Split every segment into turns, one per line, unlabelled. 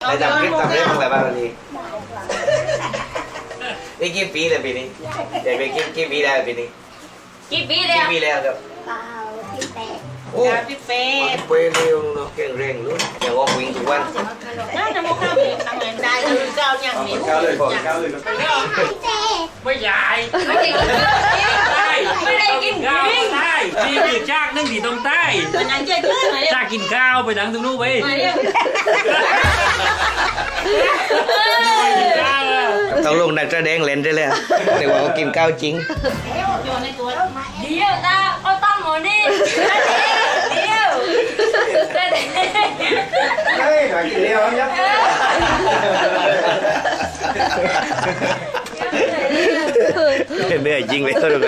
ได้จำคลิปทำได้บ้างอะไรบ้างนี่นี่กี่ปีแล้วปีนี้เด็กไปกี่ปีแล้วปีนี้
กี่ปีแล้ว
กี่ปีแล้วครับ โอ้
พี่เป๊ะ
เปเร็วเนาะแข็งแรงลุ้นอย่างว่าวิ่งทุกวัน
น่าจะมาเข้าเป็นทำงานได้ก็เจ้าอย่างนี้
ก้าวเลยก้าวเลย
ไม่ใหญ่
ไม่ได้กินไม่ได้กิน
ข้าวใต้นี่คือจากนึ่งที่ตรงใต้
เป็นงานเจ๊ชื่อไหน
จากกินข้าวไปดังตรงนู้นไปข้าวแล้ว
ต้องลงนักแสดงเล่นได้เลยแต่ว่าเขากินข้าวจริง
อยู่ในตัว
เดี๋ยวตาเอาตั้งหมดนี่เดี๋ยว
เฮ้ยหน่อยกินเดียวยับเหนื่อยจริงเลยทุกคน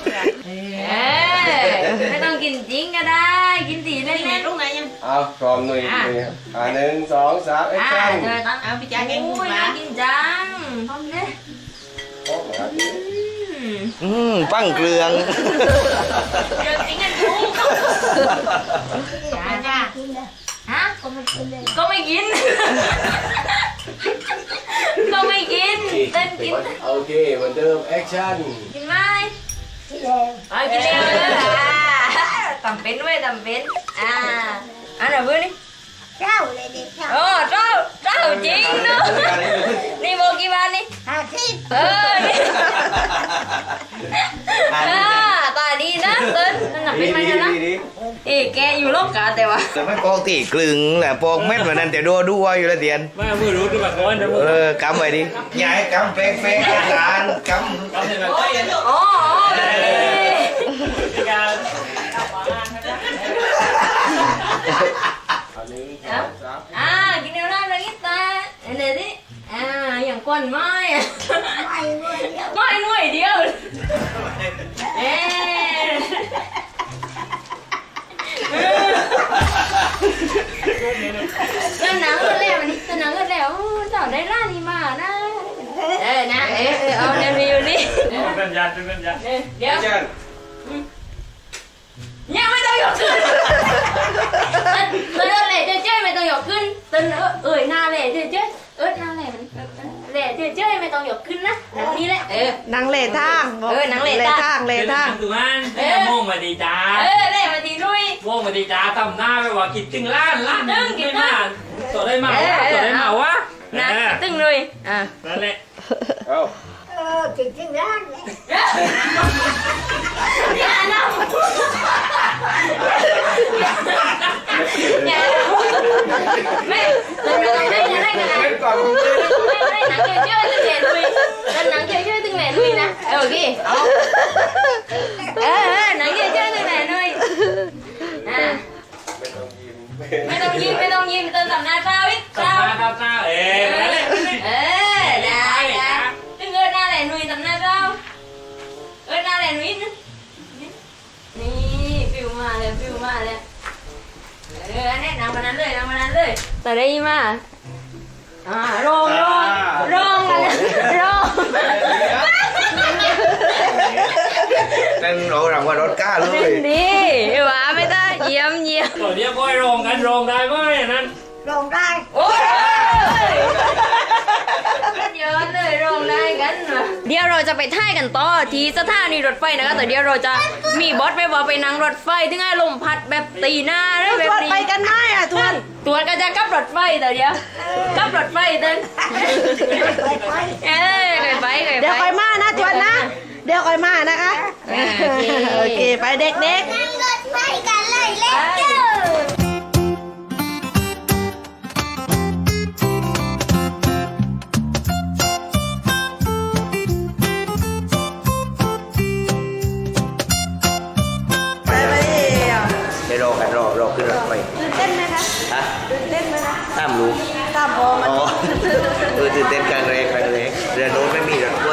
ไม่ต้องกินจริงก็ได้กินสีเล่น
ตรงไหนยัง
เอาพร้อมหน่อยหนึ่งสองสามไอ้
ๆ
จัง
เดี๋ยวตั้ง
เอาพี่จ๋าแกง
โอ้
กุ้ง
ย
มา
น่ากินจังพร้อมเลย
ปั้งเกลือง
เดี๋ยวจริงกันทุก
จ้าจ้า
ฮะก็ไม่กินก็ไม่กินเต้นกิน
โอเคเหมือนเดิมแอคชั่น
กินไหมกินเร็วเลยทำเป็นเว้ยทำเป็นอันไหนเพื่อนนี่โอ้เจ้าจริงเนาะนี่โมกี่บาทนี่นี่ตาดีนะเต้นนั่นน่ะเป็นไหมนะแกอยู่โลกกาแต่ว่า
แต่ไม่ปอกตีกลึงแหละปอกเม็ดวันนั้นแต่ดูอยู่แล้วเดียน
ว่ามือรู้ด้วยแบบก้อนนะมือ
กำไว้ดิยายกำเป๊ะอาจารย์กำ
เอาเสร็จแล้วก็ยัง
อ๋อ
การ
หนึ่งสองสาม
กินเดี๋ยวได้เลยตาเดี๋ยวดิอย่างก้นไม้ไม่หน่วยเดียวแล้วหนังก็แล้วมันหนังก็แล้วเจ้าได้ร้านนี้มานะนะเอาเดี๋ยวอยู่นี่
เป็นยันเป็นยัน
เดี๋ยว
จัน
ยังไม่ต้องยกขึ้นเต้นเลยเจ๊ไม่ต้องยกขึ้นเต้นหน้าเลยเจ๊หน้าเลยมันเลยเจ๊ไม่ต้องยกขึ้นนะหนังนี้แหละ
นางเล่ทาง
หนังเล่ทาง
เล่ทาง
ตุมันโม่งมาดีจ้า
เลยมาดีด้วย
โม่งมาดีจ้าทำหน้าไปว่ากินตึงล้านไม่มาตัวได้มาวะตัวได้มาวะ
นะตึงเลย
นั่นแหละ
เอา
อย่านะอย่าไม่ต้องได้ยังไงกันนะ
เป็นก่อน
ไม่หนังเยอะๆตึงแหล่ลุยหนังเยอะๆตึงแหล่ลุยนะโอเคหนังเยอะๆตึงแหล่ลุยไม่ต้องยิ้มเติมสำนาเจ้าอีก
ตาตานั่นแหละ
ได้ตึงเงินหน้าแหล่ลุยสำนาเจ้าหน้าแหล่ลุยนี่ฟิวมาเลยนี่นำมานั้นเลยแต่ได้มาโรง
นั่นเราหลังว่ารถก้าเลย
ดีหวาไม่ได้เยี่ยม
ตัวนี้ก็โรงกันโรงได้ไหมนั่น
โอ้ยเยอะเลยโรงได้กันเดี๋ยวเราจะไปท่ายกันต่อที่สถานีรถไฟนะคะแต่เดี๋ยวเราจะมีบอสไปบอกไปนั่งรถไฟถึงให้ลมพัดแบบตีหน้าแล้วแบบนี้
ไปกันไหมทวน
ตัวก็จะกับรถไฟแต่เดี๋ยวกับรถไฟเต้นไป
เดี๋ยวคอยมานะทวนนะเดี๋ยวคอยมานะคะโอเคไปเด็กไป
เดี๋ยวรอขึ้นรถไฟ
ตื่นเต้นไหมคะ
ฮะ
ตื่นเต้นไหมคะ
ตามรู้
ตามพอมัน
ตื่นเต้นครั้งแรกเรือโน้นไม่มีรถไฟ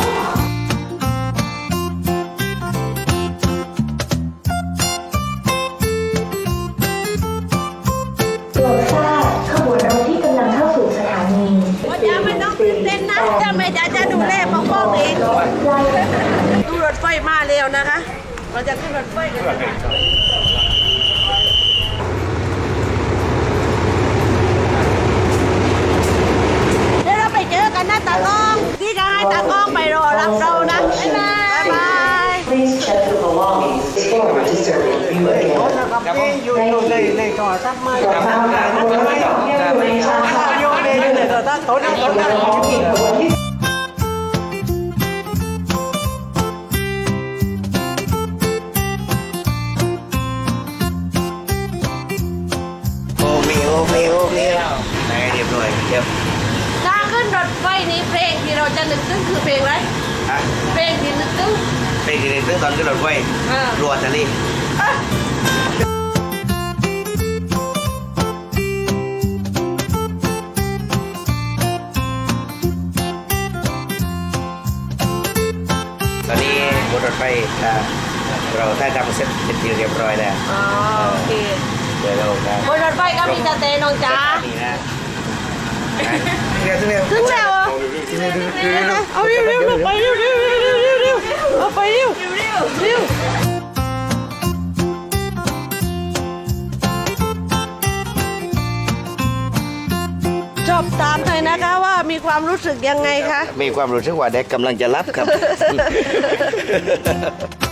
โปรดทราบขบวนรถที่กำลังเข้าสู่สถานี
ว่าจะไม่ต้องตื่นเต้นนะจะไม่จะดูแลปกป้องเองดูรถไฟมาเร็วนะคะ เราจะขึ้นรถไฟกันนะคะ
ครับผม
อยู่ในก่อตั้งมา
ครับผมครับครับ
อยู่ในก่อตั้งโต๊ะนั่งโต๊ะนั่ง
โอ้มีไหนเรียบร้อยเรียบ
ถ้าขึ้นรถไฟนี้เพลงที่เราจะนึกถึงคือเพลงอะไร
อ่ะ
เพลงที่นึกถึง
เป็นที่นึงตอนขึ้นรถไฟรัวทะเล ตอนนี้บนรถไฟเราได้ทำเสร็จเป็นที่เรียบร้อยแล้ว
อ๋อโอเค
เดี๋ยวเราจะ
บนรถไฟก็มีสเตย์น้องจ๋า
นี่นะเร็ว
ถึงแล้วอ่ะเอาเร็วไปเร็วเอาไปเร็วจบตามหน่อยนะคะว่ามีความรู้สึกยังไงคะ
มีความรู้สึกว่าเด็กกำลังจะรับครับ